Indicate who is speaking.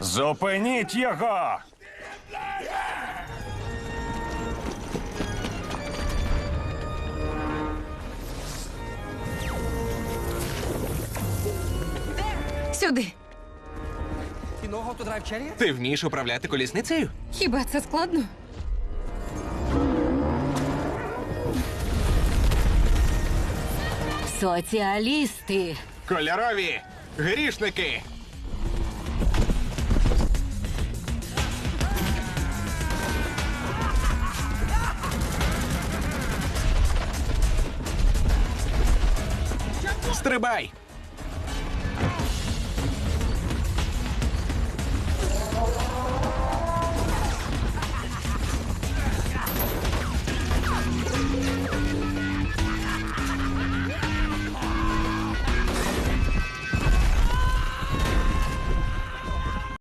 Speaker 1: Зупиніть його!
Speaker 2: Сюди.
Speaker 3: Ти вмієш управляти колісницею?
Speaker 2: Хіба це складно?
Speaker 4: Соціалісти.
Speaker 3: Кольорові! Грішники! Стрибай!